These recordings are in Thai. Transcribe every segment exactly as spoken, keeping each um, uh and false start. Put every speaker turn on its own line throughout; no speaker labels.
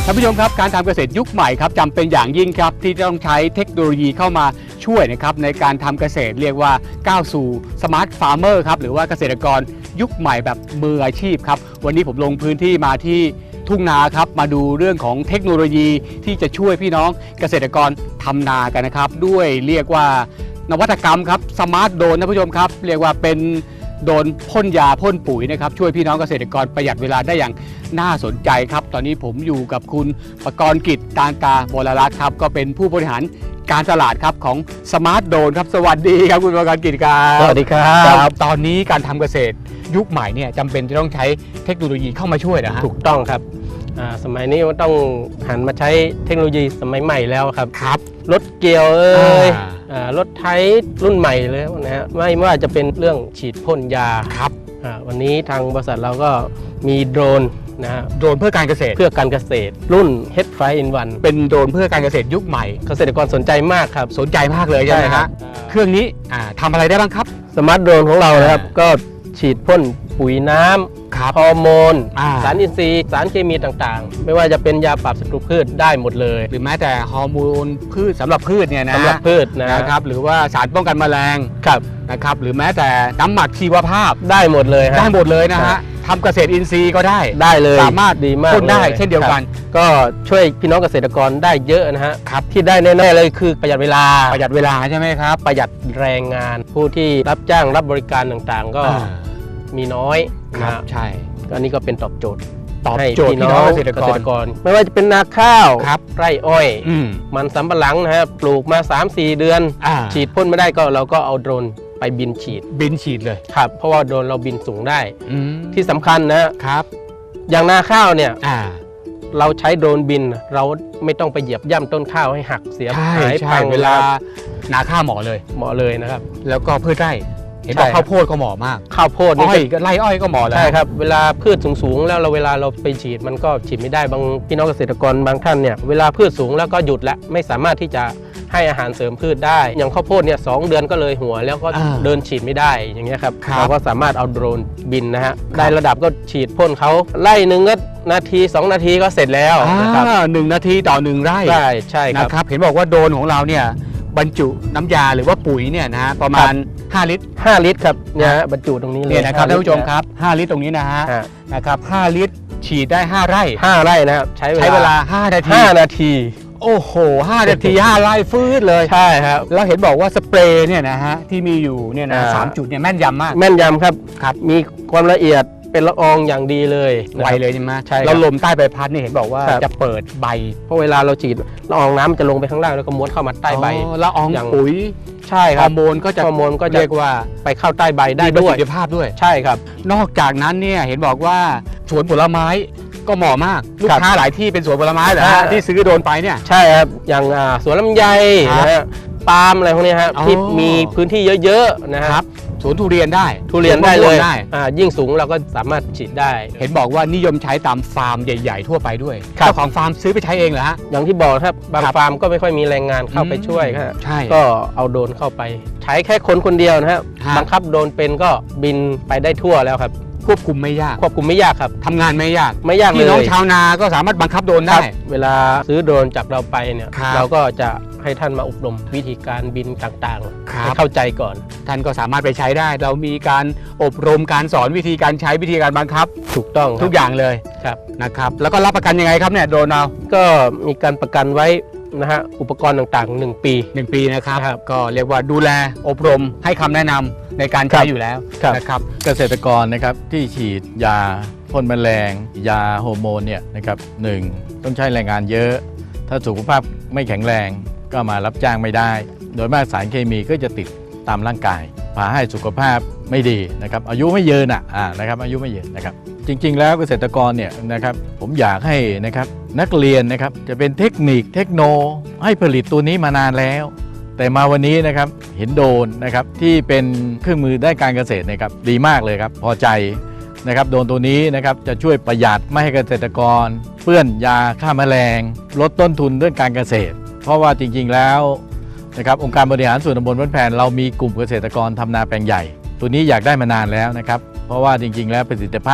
ท่านผู้ชมครับการทำเกษตรยุคใหม่ครับจำเป็นอย่างยิ่งครับที่ต้องใช้เทคโนโลยีเข้ามาช่วยนะครับในการทำเกษตรเรียกว่าก้าวสู่สมาร์ทฟาร์มเมอร์ครับหรือว่าเกษตรกรยุคใหม่แบบมืออาชีพครับวันนี้ผมลงพื้นที่มาที่ทุ่งนาครับมาดูเรื่องของเทคโนโลยีที่จะช่วยพี่น้องเกษตรกรทำนากันนะครับด้วยเรียกว่านวัตกรรมครับสมาร์ทโดรนท่านผู้ชมครับเรียกว่าเป็นโดนพ่นยาพ่นปุ๋ยนะครับช่วยพี่น้องเกษตรกรประหยัดเวลาได้อย่างน่าสนใจครับตอนนี้ผมอยู่กับคุณประกรณ์กิจตานตาบรรัตน์ครับก็เป็นผู้บริหารการตลาดครับของสมาร์ทโดรนครับสวัสดีครับคุณประกรณ์กิจครับ
สวัสดีครับ
ตอนนี้การทำเกษตรยุคใหม่เนี่ยจำเป็นจะต้องใช้เทคโนโลยีเข้ามาช่วยนะฮะ
ถูกต้องครับสมัยนี้ต้องหันมาใช้เทคโนโลยีสมัยใหม่แล้วครับ
ครับ
รถเกี่ยวเอ้ยรถไถรุ่นใหม่เลยนะฮะไม่ว่าจะเป็นเรื่องฉีดพ่นยา
ครับ
วันนี้ทางบริษัทเราก็มีโดรนนะฮะ
โดรนเพื่อการเกษตร
เพื่อการเกษตรรุ่น เฮด ไฟว์ อิน วัน
เป็นโดรนเพื่อการเกษตรยุคใหม่
เกษตรกรสนใจมากครับ
สนใจมากเลยใช่ไหมครับเครื่องนี้ทำอะไรได้บ้างครับ
สมาร์ทโดรนของเรานะครับก็ฉีดพ่นปุ๋ยน้ำฮอร์โมนสารอินทรีย์สารเคมีต่างๆไม่ว่าจะเป็นยาปราบศัตรูพืชได้หมดเลย
หรือแม้แต่ฮอร์โมนพืชสำหรับพืชเนี่ยนะ
สำหรับพืช
นะครับหรือว่าสารป้องกันแมลง
ครับ
นะครับหรือแม้แต่น้ำหมักชีวภาพ
ได้หมดเลย
ได้หมดเลยนะฮะทำเกษตรอินทรีย์ก็ได้
ได้เลย
สามารถ
ดีมาก
พ่นได้เช่นเดียวกัน
ก็ช่วยพี่น้องเกษตรกรได้เยอะนะฮะครับที่ได้แน่ๆเลยคือประหยัดเวลา
ประหยัดเวลาใช่ไหมครับ
ประหยัดแรงงานผู้ที่รับจ้างรับบริการต่างๆก็มีน้อย
ครับใช่
ก็นี่ก็เป็นตอบโจทย์
ตอบโจทย์พี่น้องเกษตรกร
ไม่ว่าจะเป็นนาข้าวไร่อ้อยมันสำปะหลังนะฮะปลูกมา สามสี่ เดือนฉีดพ่นไม่ได้ก็เราก็เอาโดรนไปบินฉีด
บินฉีดเลย
ครับเพราะว่าโดรนเราบินสูงได้ที่สำคัญนะครับอย่างนาข้าวเนี่ยเราใช้โดรนบินเราไม่ต้องไปเหยียบย่ำต้นข้าวให้หักเสียหายพัง
เวลานาข้าวเหมาะเลย
เหมาะเลยนะครับ
แล้วก็พืชไร่เห็นบอกข้าวโพดก็เหมาะมาก
ข้าวโพดนี่
ไร่อ้อยก็เหมาะแล้ว
ใช่ครับเวลาพืชสูงๆแล้วเราเวลาเราไปฉีดมันก็ฉีดไม่ได้บางพี่น้องเกษตรกรบางท่านเนี่ยเวลาพืชสูงแล้วก็หยุดแล้วไม่สามารถที่จะให้อาหารเสริมพืชได้อย่างข้าวโพดเนี่ยสองเดือนก็เลยหัวแล้วก็เดินฉีดไม่ได้อย่างเงี้ยครับเราก็สามารถเอาโดรนบินนะฮะได้ระดับก็ฉีดพ่นเขาไร่หนึ่งก็นาทีสองนาทีก็เสร็จแล้วนะครับ
หนึ่งนาทีต่อหนึ่งไร่
ใช่ใช่
ครับเห็นบอกว่าโดรนของเราเนี่ยบรรจุน้ำยาหรือว่าปุ๋ยเนี่ยนะประมาณห้าลิตร
ห้าลิตรครับเนี่ยบรรจุตรงนี้เลย
เนี่ยนะครับท่านผู้ชมครับห้าลิตรตรงนี้นะฮะนะครับห้าลิตรฉีดได้ห้าไร่
ห้าไร่นะครับใช้
ใช้เวลาห้านาที
ห้านาที
โอ้โหห้านาทีห้าไร่ฟืดเลย
ใช่ครับ
แล้วเห็นบอกว่าสเปรย์เนี่ยนะฮะที่มีอยู่เนี่ยนะสามจุดเนี่ยแม่นยำมาก
แม่นยำครับครับมีความละเอียดเป็นละอองอย่างดีเลย
ไวเลยใช่ไหม
ใช่
แล้วลมใต้ใบพัดนี่เห็นบอกว่าจะเปิดใบ
เพราะเวลาเราฉีดละอองน้ำมันจะลงไปข้างล่างแล้วก็ม้วนเข้ามาใต้ใบ
ละอองปุ๋ย
ใช่ครับ
ฮอร์โมนก็จะ
ฮอร์โมนก็จะ
เรียกว่า
ไปเข้าใต้ใบได้ด้วย
ประสิทธิภาพด้วย
ใช่ครับ
นอกจากนั้นเนี่ยเห็นบอกว่าสวนผลไม้ก็เหมาะมากลูกค้าหลายที่เป็นสวนผลไม้เหรอฮะที่ซื้อโดนไปเนี่ย
ใช่ครับอย่างสวนลำไยนะฮะปาล์มอะไรพวกนี้ครับที่มีพื้นที่เยอะๆนะครับ
สวนทุเรียนได้
ทุเรียนได้เลยยิ่งสูงเราก็สามารถฉีดได้
เห็นบอกว่านิยมใช้ตามฟาร์มใหญ่ๆทั่วไปด้วยเจ้าของฟาร์มซื้อไปใช้เองเหรอฮะ
อย่างที่บอกครับบางฟาร์มก็ไม่ค่อยมีแรงงานเข้าไปช่วยครับก็เอาโดรนเข้าไปใช้แค่คนคนเดียวนะครับบังคับโดรนเป็นก็บินไปได้ทั่วแล้วครับ
ควบคุมไม่ยาก
ควบคุมไม่ยากครับ
ทำงานไม่ยาก
ไม่ยากเลย
พี่น้องชาวนาก็สามารถบังคับโดรนได้
เวลาซื้อโดรนจากเราไปเนี่ยเราก็จะให้ท่านมาอบรมวิธีการบินต่างๆให้เข้าใจก่อน
ท่านก็สามารถไปใช้ได้เรามีการอบรมการสอนวิธีการใช้วิธีการบังคับ
ถูกต้อง
ทุกอย่างเลย
ครับ
นะครับแล้วก็รับประกันยังไงครับเนี่ยโดรนเรา
ก็มีการประกันไว้นะฮะอุปกรณ์ต่างๆหนึ่งปี
หนึ่งปีนะครับก็เรียกว่าดูแลอบรมให้คำแนะนำในการใช้อยู่แล้วนะครับ
เกษตรกรนะครับที่ฉีดยาพ่นแมลงยาฮอร์โมนเนี่ยนะครับหนึ่งต้องใช้แรงงานเยอะถ้าสุขภาพไม่แข็งแรงก็มารับจ้างไม่ได้โดยมากสารเคมีก็จะติดตามร่างกายพาให้สุขภาพไม่ดีนะครับอายุไม่ยืนอ่ะนะครับอายุไม่ยืนนะครับจริงๆแล้วเกษตรกรเนี่ยนะครับผมอยากให้นะครับนักเรียนนะครับจะเป็นเทคนิคเทคโนให้ผลิตตัวนี้มานานแล้วแต่มาวันนี้นะครับเห็นโดรนนะครับที่เป็นเครื่องมือด้านการเกษตรนะครับดีมากเลยครับพอใจนะครับโดรนตัวนี้นะครับจะช่วยประหยัดไม่ให้เกษตรกรเปื้อนยาฆ่าแมลงลดต้นทุนเรื่องการเกษตรเพราะว่าจริงๆแล้วนะครับองค์การบริหารส่วนตำบลบ้านแพนเรามีกลุ่มเกษตรกรทำนาแปลงใหญ่ตัวนี้อยากได้มานานแล้วนะครับเพราะว่าจริงๆแล้วประสิทธิภาพ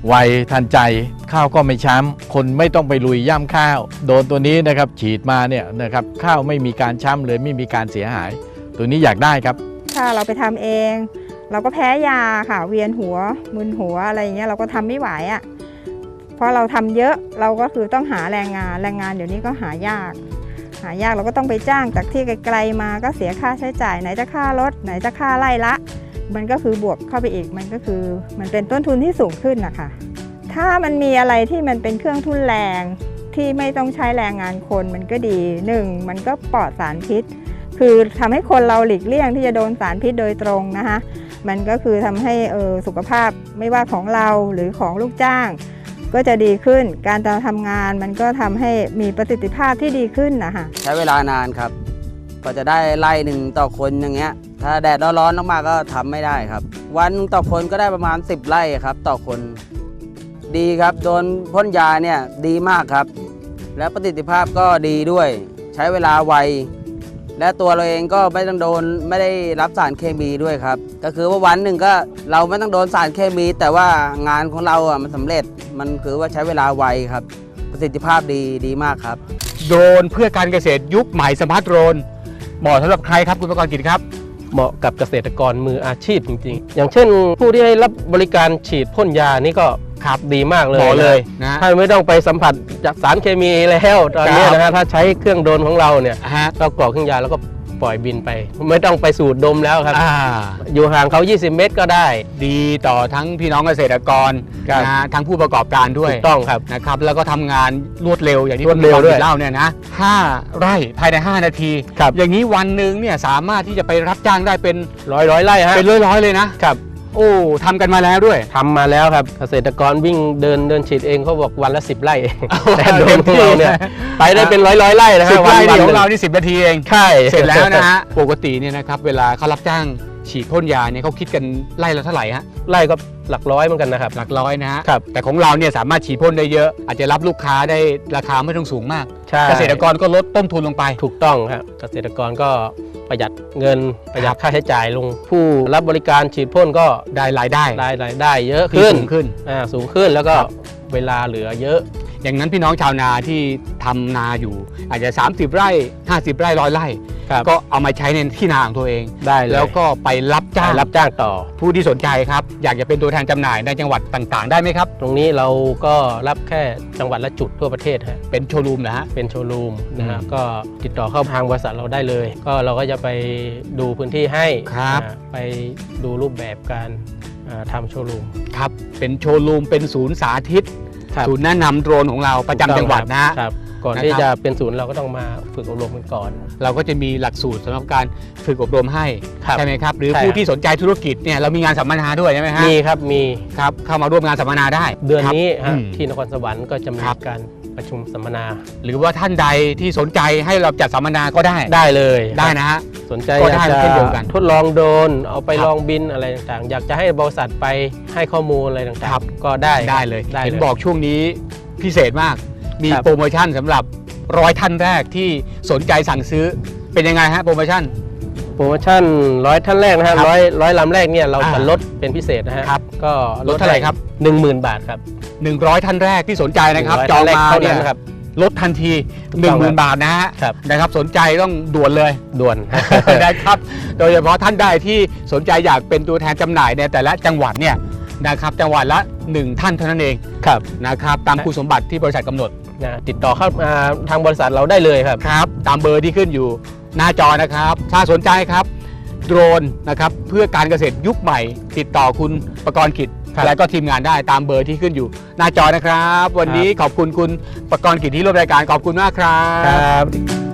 ไวทันใจข้าวก็ไม่ช้ำคนไม่ต้องไปลุยย่ำข้าวโดนตัวนี้นะครับฉีดมาเนี่ยนะครับข้าวไม่มีการช้ำเลยไม่มีการเสียหาย ตัวนี้อยากได้ครับ
ถ้าเราไปทำเอง เราก็แพ้ยาค่ะเวียนหัวมึนหัวอะไรอย่างเงี้ยเราก็ทำไม่ไหวอะ่ะเพราะเราทำเยอะเราก็คือต้องหาแรงงานแรงงานเดี๋ยวนี้ก็หายาก หายากเราก็ต้องไปจ้างจากที่ไกลๆมาก็เสียค่าใช้จ่ายไหนจะค่ารถไหนจะค่าไล่ละ มันก็คือบวกเข้าไปอีกมันก็คือมันเป็นต้นทุนที่สูงขึ้นนะคะถ้ามันมีอะไรที่มันเป็นเครื่องทุนแรงที่ไม่ต้องใช้แรงงานคนมันก็ดีหนึ่งมันก็ปลอดสารพิษคือทำให้คนเราหลีกเลี่ยงที่จะโดนสารพิษโดยตรงนะคะมันก็คือทำให้เออสุขภาพไม่ว่าของเราหรือของลูกจ้างก็จะดีขึ้นการทำงานมันก็ทำให้มีประสิทธิภาพที่ดีขึ้นนะคะ
ใช้เวลานานครับก็จะได้ไร่หนึ่งต่อคนอย่างเงี้ยถ้าแดดร้อนๆมากๆก็ทำไม่ได้ครับวันต่อคนก็ได้ประมาณสิบไร่ครับต่อคนดีครับโดนพ่นยาเนี่ยดีมากครับและประสิทธิภาพก็ดีด้วยใช้เวลาไวและตัวเราเองก็ไม่ต้องโดนไม่ได้รับสารเคมีด้วยครับก็คือว่าวันหนึ่งก็เราไม่ต้องโดนสารเคมีแต่ว่างานของเราอ่ะมันสำเร็จมันคือว่าใช้เวลาไวครับประสิทธิภาพดีดีมากครับ
โดรนเพื่อการเกษตรยุคใหม่สมาร์ทโดรนเหมาะสำหรับใครครับคุณประกรณ์กิจครับ
เหมาะกับเกษตรกรมืออาชีพจริงๆอย่างเช่นผู้ที่ให้รับบริการฉีดพ่นยานี่ก็ครับดีมากเลย
เลยนะ
ถ้าไม่ต้องไปสัมผัสจากสารเคมีแล้วตอนนี้นะฮะถ้าใช้เครื่องโดรนของเราเนี่ยเรากรอกเครื่องยาแล้วก็ปล่อยบินไปไม่ต้องไปสูดดมแล้วครับอยู่ห่างเขายี่สิบเมตรก็ได้
ดีต่อทั้งพี่น้องเกษตรกรนะทั้งผู้ประกอบการด้วย
ถูกต้องครับ
นะครับแล้วก็ทำงานรวดเร็วอย่างที่คุณประกรณ์เล่าเนี่ยนะห้าไร่ภายในห้านาทีอย่างนี้วันหนึ่งเนี่ยสามารถที่จะไปรับจ้างได้เป็น
ร้อยร้อยไร่ฮะ
เป็นร้อยร้อยเลยนะครับโอ้ทำกันมาแล้วด้วย
ทำมาแล้วครับเกษตรกรวิ่งเดินเดินฉีดเองเขาบอกวันละสิบไร่แต่โดนของเราเนี่ยไปได้เป็นร้อยร้อยไร่นะค
รั
บ
สิบไร่ของเรานี่สิบนาทีเอง
ใช่
เสร็จแล้วนะฮะปกติเนี่ยนะครับเวลาเขารับจ้างฉีดพ่นยาเนี่ยเขาคิดกันไร่ละเท่าไหร่ฮะ
ไร่ก็หลักร้อยเหมือนกันนะครับ
หลักร้อยนะฮะแต่ของเราเนี่ยสามารถฉีดพ่นได้เยอะอาจจะรับลูกค้าได้ราคาไม่ต้องสูงมากเกษตรกรก็ลดต้นทุนลงไป
ถูกต้องครับเกษตรกรก็ประหยัดเงินประหยัดค่าใช้จ่ายลงผู้รับบริการฉีดพ่นก็
ได้รายได้
ได้รายได้เยอะขึ้น
สูงขึ้น
อ่าสูงขึ้นแล้วก็เวลาเหลือเยอะ
อย่างนั้นพี่น้องชาวนาที่ทำนาอยู่อาจจะสามสิบไร่ห้าสิบไร่ร้อยไร่ก็เอามาใช้ในที่นาของตัวเอง
ได้เลย
แล้วก็ไปรับจ้าง
รับจ้างต่อ
ผู้ที่สนใจครับอยากจะเป็นตัวแทนจำหน่ายในจังหวัดต่างๆได้ไหมครับ
ตรงนี้เราก็รับแค่จังหวัดละจุดทั่วประเทศฮะ
เป็นโชว์รูมนะฮะ
เป็นโชว์รูมนะฮะก็ติดต่อเข้าทางบริษัทเราได้เลยก็เราก็จะไปดูพื้นที่ให้
ครับ
ไปดูรูปแบบการทำโชว์รูม
ครับเป็นโชว์รูมเป็นศูนย์สาธิตศูนย์แนะนำโดรนของเราประจำจังหวัดนะครับ
ก่อนที่จะเป็นศูนย์เราก็ต้องมาฝึกอบรมกันก่อน
เราก็จะมีหลักสูตรสำหรับการฝึกอบรมให้ใช่ไหมครับหรือผู้ที่สนใจธุรกิจเนี่ยเรามีงานสัมมนาด้วยใช่ไหมฮะ
มีครับมี
ครับเข้ามาร่วมงานสัมมนาได้
เดือนนี้ที่นครสวรรค์ก็จะมีการประชุมสัมมนา
หรือว่าท่านใดที่สนใจให้เราจัดสัมมนาก็ได้
ได้เลย
ได้นะฮะ
สนใจอยากจะทดลองโดรนเอาไปลองบินอะไรต่างๆอยากจะให้บริษัทไปให้ข้อมูลอะไรต่างๆก็ได้
ได้เลยเห็นบอกช่วงนี้พิเศษมากมีโปรโมชั่นสำหรับร้อยท่านแรกที่สนใจสั่งซื้อเป็นยังไงฮะโปรโมชั่น
โปรโมชั่นร้อยท่านแรกนะฮะร้อยร้อยลำแรกเนี่ยเราจะลดเป็นพิเศษนะฮะก็
ลดเท่าไหร่ครับ
หนึ่งหมื่น บาทครับ
หนึ่งร้อยท่านแรกที่สนใจนะครับจองมาเนี่ยลดทันที หนึ่งหมื่น บาทนะฮะนะครับสนใจต้องด่วนเลย
ด่วน
ได้ครับโดยเฉพาะท่านใดที่สนใจอยากเป็นตัวแทนจำหน่ายในแต่ละจังหวัดเนี่ยนะครับจังหวัดละหนึ่งท่านเท่านั้นเองนะครับตามคุณสมบัติที่บริษัทกำหนด
ติดต่อเข้ามาทางบริษัทเราได้เลยครับ
ครับตามเบอร์ที่ขึ้นอยู่หน้าจอนะครับถ้าสนใจครับโดรนนะครับเพื่อการเกษตรยุคใหม่ติดต่อคุณประกรณ์กิจและก็ทีมงานได้ตามเบอร์ที่ขึ้นอยู่หน้าจอนะครับวันนี้ขอบคุณคุณประกรณ์กิจที่ร่วมรายการขอบคุณมากครับ